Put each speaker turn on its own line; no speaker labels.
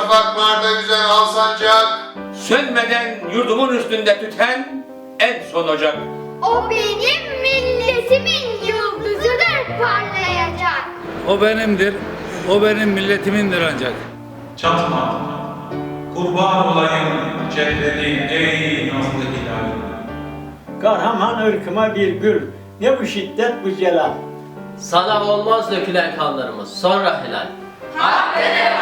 şafaklarda yüzen al sancak.
Sönmeden yurdumun üstünde tüten en son ocak.
O benim milletimin yıldızıdır parlayacak.
O benimdir, o benim milletimindir ancak.
Çatma, kurban olayım cennet'in ey nazlı hilali.
Kahraman ırkıma bir gül, ne bu şiddet bu celal.
Sana olmaz dökülen kanlarımız, sonra helal.
Hakkını